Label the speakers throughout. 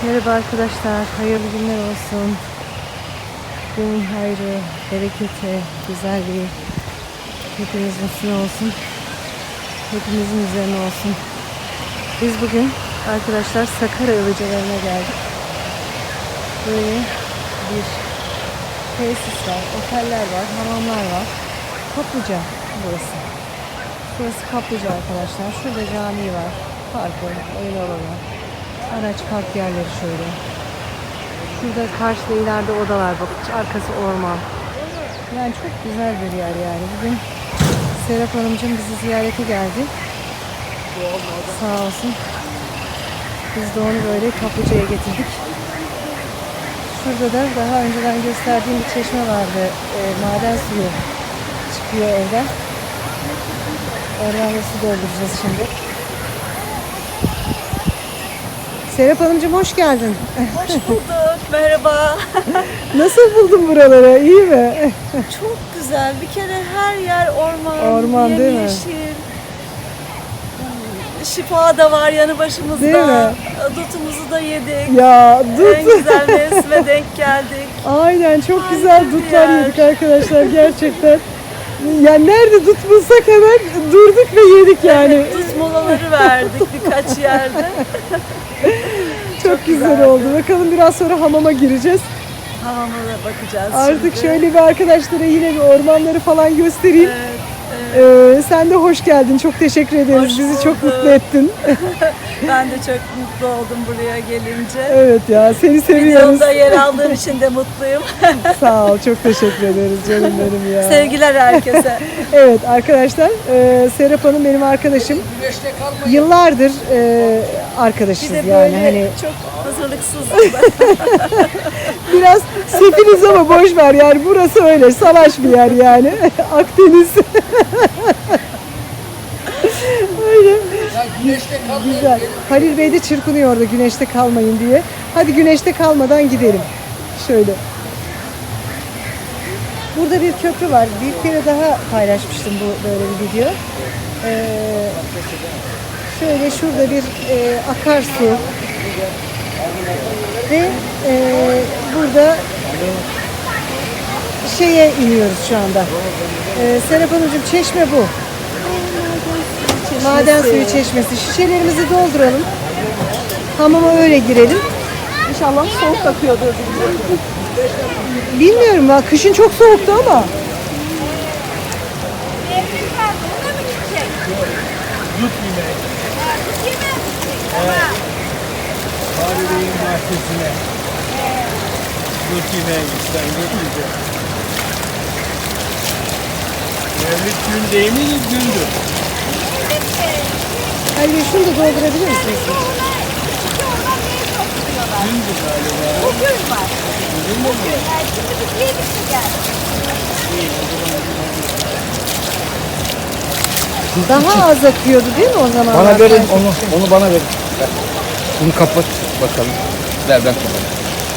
Speaker 1: Merhaba arkadaşlar, hayırlı günler olsun. Günün hayrı, bereketi, güzelliği hepimizin üstüne olsun. Hepimizin üzerine olsun. Biz bugün arkadaşlar Sakarya Ilıcalarına geldik. Böyle bir tesis var, oteller var, hamamlar var. Kaplıca burası. Burası kaplıca arkadaşlar. Şurada cami var, parkı, oyun alanı. Araç park yerleri şöyle. Şurada karşıda ileride odalar, bak arkası orman. Yani çok güzel bir yer yani. Bugün Serap Hanımcığım bizi ziyarete geldi. Sağ olsun. Biz de onu böyle kaplıcaya getirdik. Şurada da daha önceden gösterdiğim bir çeşme vardı. Maden suyu çıkıyor evden. Oradan da su dolduracağız şimdi. Serap Hanımcığım hoş geldin.
Speaker 2: Hoş bulduk. Merhaba.
Speaker 1: Nasıl buldun buraları? İyi mi?
Speaker 2: Çok güzel. Bir kere her yer orman.
Speaker 1: Orman değil mi?
Speaker 2: Yemyeşil. Şifa da var yanı başımızda.
Speaker 1: Değil mi?
Speaker 2: Dutumuzu da yedik.
Speaker 1: Ya
Speaker 2: En güzel mevsime denk geldik.
Speaker 1: Aynen çok
Speaker 2: Harika
Speaker 1: güzel
Speaker 2: bir
Speaker 1: dutlar
Speaker 2: yer.
Speaker 1: yedik arkadaşlar gerçekten. Yani nerede dut bulsak hemen durduk ve yedik yani.
Speaker 2: Evet, dut molaları verdik birkaç yerde.
Speaker 1: Çok güzel
Speaker 2: güzeldi.
Speaker 1: oldu. Bakalım biraz sonra hamama gireceğiz.
Speaker 2: Hamama da bakacağız
Speaker 1: Artık
Speaker 2: şimdi.
Speaker 1: şöyle bir arkadaşlara yine bir ormanları falan göstereyim.
Speaker 2: Evet.
Speaker 1: Sen de hoş geldin. Çok teşekkür ederiz.
Speaker 2: Hoş
Speaker 1: Bizi çok
Speaker 2: bulduk.
Speaker 1: mutlu ettin.
Speaker 2: Ben de çok mutlu oldum buraya gelince.
Speaker 1: Evet ya seni seviyoruz.
Speaker 2: Videomda yer aldığım için de mutluyum.
Speaker 1: Sağ ol. Çok teşekkür ederiz canım benim ya.
Speaker 2: Sevgiler herkese.
Speaker 1: Evet arkadaşlar Serap Hanım benim arkadaşım. Yıllardır arkadaşız
Speaker 2: Bir de
Speaker 1: yani
Speaker 2: böyle
Speaker 1: hani
Speaker 2: çok hazırlıksız.
Speaker 1: biraz sefiliz ama boş ver yani burası öyle salaş bir yer yani Akdeniz. Öyle. Güzel. Halil Bey de çırpınıyor orada güneşte kalmayın diye. Hadi güneşte kalmadan gidelim. Şöyle. Burada bir köprü var. Bir kere daha paylaşmıştım bu böyle bir video. Şöyle şurada bir akarsu ve burada şeye iniyoruz şu anda. Serap Hanımcığım çeşme bu. Maden suyu çeşmesi. Şişelerimizi dolduralım. Hamama öyle girelim.
Speaker 2: İnşallah soğuk akıyordur.
Speaker 1: Bilmiyorum ya kışın çok soğuktu ama.
Speaker 3: Dut yemeği. Fahriye'nin bahçesine. Dut yemeği gitsen dut yiyecek. Mevlid gün değil mi? Gündür.
Speaker 1: Halil şunu da doldurabilir misiniz?
Speaker 3: Gündür galiba.
Speaker 4: Bugün var.
Speaker 3: Bugün mü bu?
Speaker 4: Yani şimdi biz yedik mi geldik?
Speaker 1: Daha az akıyordu değil mi o zaman?
Speaker 5: Bana verin onu bana verin. Ver. Bunu kapat bakalım. Ver ben kapatayım.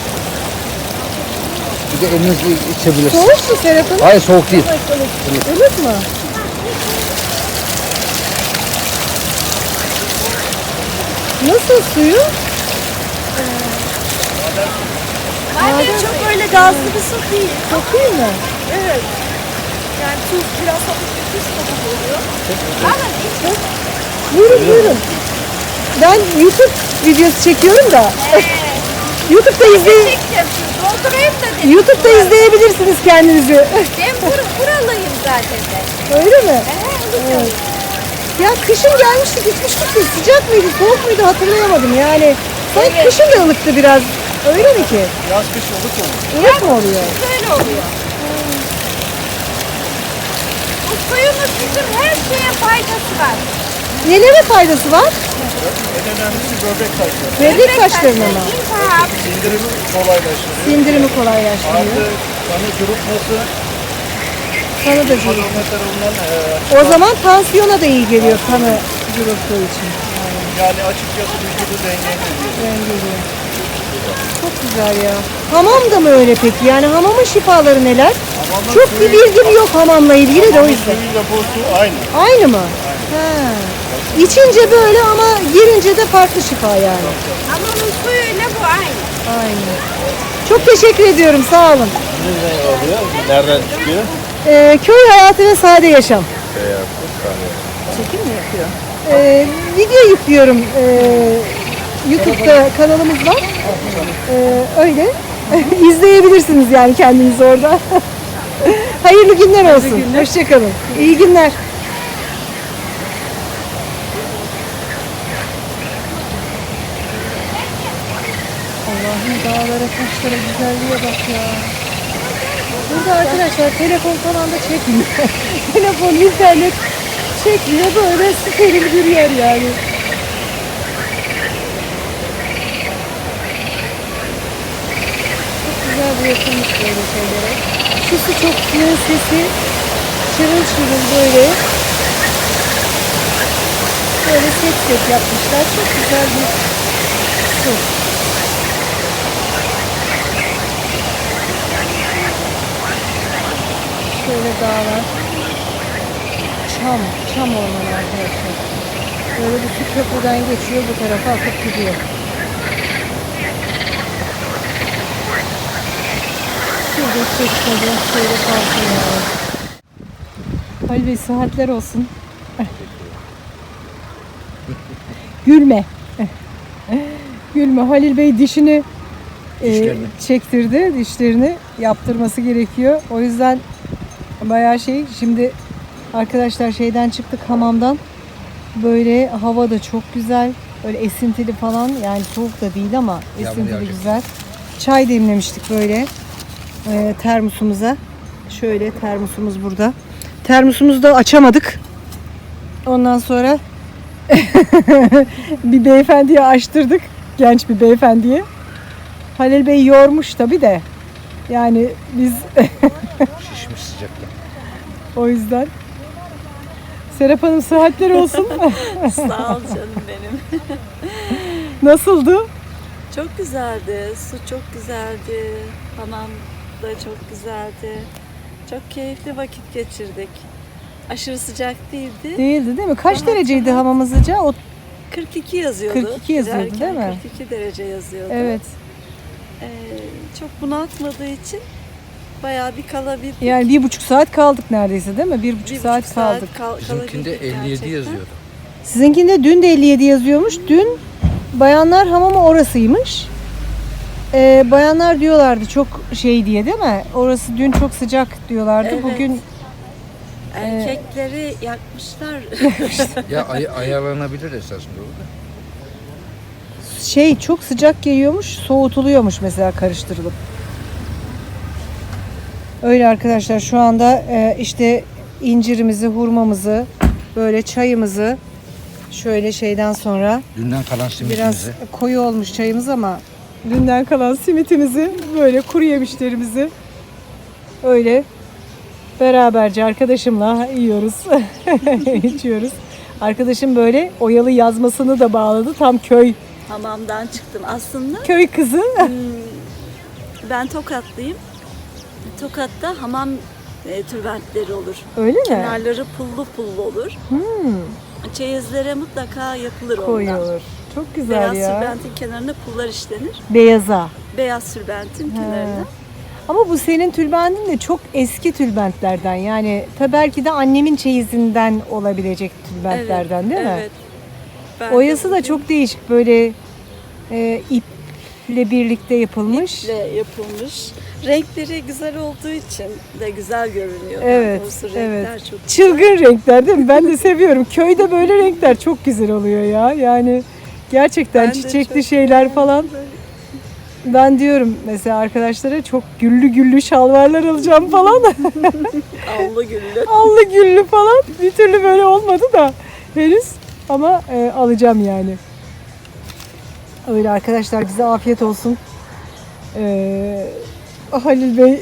Speaker 5: Bir de elinizle içebilirsin.
Speaker 1: Soğuk mu Serap Hanım?
Speaker 5: Hayır soğuk değil.
Speaker 1: Ilık mı? Nasıl suyu?
Speaker 2: Maden çok öyle gazlı bir su değil.
Speaker 1: Çok iyi mi?
Speaker 2: Evet. Yani tuz biraz hafif bir tuz tadı oluyor. Ama hiç
Speaker 1: Buyurun buyurun. Ben YouTube videosu çekiyorum da. YouTube'da
Speaker 4: Doldurayım da dedim.
Speaker 1: YouTube'da izleyebilirsiniz kendinizi.
Speaker 4: Ben buralıyım zaten de.
Speaker 1: Öyle mi?
Speaker 4: Evet.
Speaker 1: Ya kışın gelmiştik gitmiştik de sıcak mıydı soğuk muydu hatırlayamadım yani. Sanki
Speaker 4: Evet.
Speaker 1: kışın da ılıktı biraz. Öyle mi ki?
Speaker 3: Yaz kış ılık olur.
Speaker 1: Ilık mı oluyor?
Speaker 4: Böyle oluyor. Bu suyumuz bizim her şeye faydası var.
Speaker 1: Nelere faydası var?
Speaker 3: En önemlisi böbrek taşları.
Speaker 1: Böbrek taşlarına mı?
Speaker 4: İltihap.
Speaker 3: Sindirimi kolaylaştırıyor.
Speaker 1: Sindirimi kolaylaştırıyor.
Speaker 3: Artı kanı cıvıtması,
Speaker 1: Kanı da cıvıtıyor.
Speaker 3: homometrumdan
Speaker 1: O zaman tansiyona da iyi geliyor kanı cıvıttığı için.
Speaker 3: yani açıkçası vücudu dengeliyor.
Speaker 1: Dengeliyor. Çok güzel ya. Hamam da mı öyle peki? Yani hamamın şifaları neler?
Speaker 3: Hamamın
Speaker 1: Çok bir bilgim yok hamamla ilgili de o yüzden.
Speaker 3: Suyuyla bu su aynı.
Speaker 1: Aynı mı? Ha. İçince böyle ama girince de farklı şifa yani.
Speaker 4: Ama bu suyuyla bu aynı.
Speaker 1: Aynen. Çok teşekkür ediyorum. Sağ olun.
Speaker 3: Nereden çıkıyor?
Speaker 1: Köy hayatı ve sade yaşam.
Speaker 2: Çekim mi yapıyor?
Speaker 1: Video yüklüyorum. YouTube'da kanalımız var. Öyle. İzleyebilirsiniz yani kendiniz orada. Hayırlı günler olsun. Hoşçakalın. İyi günler. Allah'ım dağlara, taşlara, güzelliğe bak ya. Burada arkadaşlar telefon falan da çekmiyor. Telefon, internet çekmiyor. Böyle steril bir yer yani. Çok güzel bir yapılmış böyle şeylere. Şu su çok suyun sesi şırıl şırıl böyle. Böyle set set yapmışlar. Çok güzel bir su. Şöyle dağlar. Çam ormanı arkadaşlar. Böyle bir su köprüden geçiyor, bu tarafa akıp gidiyor. Şurada çekmedi, şöyle kalsın yani. Halil Bey sıhhatler olsun. Gülme. Gülme. Halil Bey dişini çektirdi. Dişlerini yaptırması gerekiyor. O yüzden bayağı şimdi arkadaşlar şeyden çıktık, hamamdan. Böyle hava da çok güzel. Böyle esintili falan, yani soğuk da değil ama esintili güzel. Çay demlemiştik böyle termosumuza. Şöyle termosumuz burada. Termosumuzu da açamadık. Ondan sonra bir beyefendiye açtırdık. Genç bir beyefendiye. Halil Bey yormuş tabii de. Yani biz
Speaker 5: Şişmiş sıcaktan.
Speaker 1: o yüzden. Serap Hanım sıhhatler olsun.
Speaker 2: Sağ ol canım benim.
Speaker 1: Nasıldı?
Speaker 2: Çok güzeldi. Su çok güzeldi. Hamam da çok güzeldi. Çok keyifli vakit geçirdik. Aşırı sıcak değildi.
Speaker 1: Değildi değil mi? Kaç
Speaker 2: Rahat
Speaker 1: dereceydi
Speaker 2: rahat.
Speaker 1: hamamın sıcağı? O
Speaker 2: 42 yazıyordu.
Speaker 1: 42 yazıyordu,
Speaker 2: Girerken
Speaker 1: değil mi?
Speaker 2: 42 derece yazıyordu.
Speaker 1: evet.
Speaker 2: Çok bunaltmadığı için bayağı bir kalabildik.
Speaker 1: Yani 1,5 saat kaldık neredeyse değil mi? 1,5 saat kaldık.
Speaker 5: Bizimkinde 57 yazıyordu.
Speaker 1: Sizinkinde dün de 57 yazıyormuş. Dün bayanlar hamamı orasıymış. Bayanlar diyorlardı çok şey diye değil mi? Orası dün çok sıcak diyorlardı.
Speaker 2: Evet.
Speaker 1: Bugün
Speaker 2: Erkekleri yakmışlar.
Speaker 5: Ya ayarlanabilir esasında orada.
Speaker 1: çok sıcak geliyormuş, soğutuluyormuş mesela karıştırılıp. Öyle arkadaşlar, şu anda işte incirimizi, hurmamızı, böyle çayımızı şöyle şeyden sonra
Speaker 5: Dünden kalan
Speaker 1: biraz
Speaker 5: simitimizi.
Speaker 1: koyu olmuş çayımız ama dünden kalan simitimizi, böyle kuru yemişlerimizi öyle beraberce arkadaşımla yiyoruz, içiyoruz. Arkadaşım böyle oyalı yazmasını da bağladı. Tam köy
Speaker 2: Hamamdan çıktım. Aslında
Speaker 1: kızı.
Speaker 2: ben Tokatlıyım. Tokat'ta hamam tülbentleri olur.
Speaker 1: Öyle mi?
Speaker 2: Kenarları pullu pullu olur. Çeyizlere mutlaka yapılır ondan.
Speaker 1: Koyuyor. Çok güzel
Speaker 2: Beyaz
Speaker 1: ya.
Speaker 2: sürbentin kenarına pullar işlenir.
Speaker 1: Beyaza.
Speaker 2: Beyaz sürbentin kenarına.
Speaker 1: Ama bu senin tülbentin de çok eski tülbentlerden. Yani tabii belki de annemin çeyizinden olabilecek tülbentlerden değil mi?
Speaker 2: Evet. Ben
Speaker 1: Oyası
Speaker 2: de
Speaker 1: da
Speaker 2: bugün
Speaker 1: çok değişik. Böyle iple birlikte yapılmış.
Speaker 2: iple yapılmış. Renkleri güzel olduğu için de güzel görünüyor.
Speaker 1: Evet,
Speaker 2: Doğrusu renkler
Speaker 1: evet.
Speaker 2: çok güzel.
Speaker 1: Çılgın renkler değil mi? Ben de seviyorum. Köyde böyle renkler çok güzel oluyor ya. Yani gerçekten
Speaker 2: Ben de
Speaker 1: çiçekli
Speaker 2: çok
Speaker 1: şeyler
Speaker 2: beğendim
Speaker 1: falan.
Speaker 2: böyle.
Speaker 1: Ben diyorum mesela arkadaşlara çok güllü şalvarlar alacağım falan.
Speaker 2: Allı güllü.
Speaker 1: Allı güllü falan. Bir türlü böyle olmadı da henüz. Ama alacağım yani. Öyle arkadaşlar, bize afiyet olsun. Halil Bey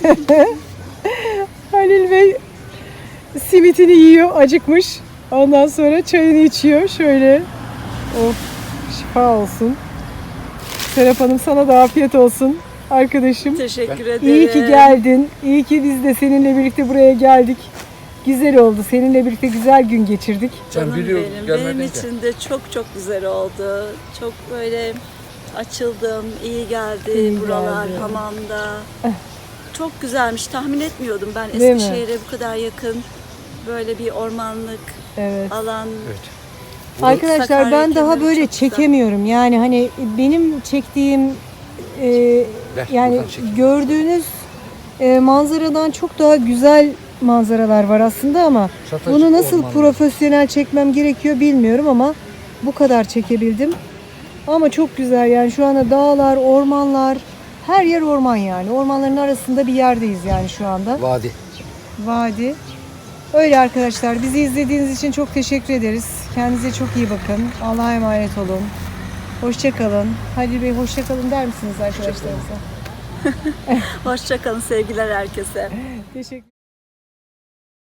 Speaker 1: Halil Bey simitini yiyor, acıkmış. Ondan sonra çayını içiyor. Şöyle. Of, şifa olsun. Serap Hanım, sana da afiyet olsun arkadaşım.
Speaker 2: Teşekkür ederim.
Speaker 1: İyi ki geldin. İyi ki biz de seninle birlikte buraya geldik. Güzel oldu. Seninle birlikte güzel gün geçirdik.
Speaker 2: Canım
Speaker 5: Sen biliyorum
Speaker 2: benim.
Speaker 5: gelmedin
Speaker 2: Benim
Speaker 5: ki.
Speaker 2: için de çok çok güzel oldu. Çok böyle Açıldım, iyi geldi
Speaker 1: İyi
Speaker 2: buralar,
Speaker 1: geldi.
Speaker 2: hamamda. Çok güzelmiş, tahmin etmiyordum ben
Speaker 1: Değil mi?
Speaker 2: Eskişehir'e bu kadar yakın böyle bir ormanlık
Speaker 1: Evet.
Speaker 2: alan.
Speaker 1: Arkadaşlar
Speaker 2: Sakarya
Speaker 1: ben daha
Speaker 2: kemeri
Speaker 1: böyle
Speaker 2: çok güzel.
Speaker 1: çekemiyorum. Yani hani benim çektiğim yani
Speaker 5: buradan çek.
Speaker 1: gördüğünüz manzaradan çok daha güzel manzaralar var aslında ama
Speaker 5: Çatacık
Speaker 1: bunu nasıl
Speaker 5: ormanlar.
Speaker 1: profesyonel çekmem gerekiyor bilmiyorum ama bu kadar çekebildim. Ama çok güzel yani şu anda dağlar, ormanlar, her yer orman yani. Ormanların arasında bir yerdeyiz yani şu anda.
Speaker 5: Vadi.
Speaker 1: Vadi. Öyle arkadaşlar. Bizi izlediğiniz için çok teşekkür ederiz. Kendinize çok iyi bakın. Allah'a emanet olun. Hoşça kalın. Halil Bey hoşça kalın der misiniz arkadaşlarınıza?
Speaker 2: Hoşça kalın, sevgiler herkese.
Speaker 1: Teşekkür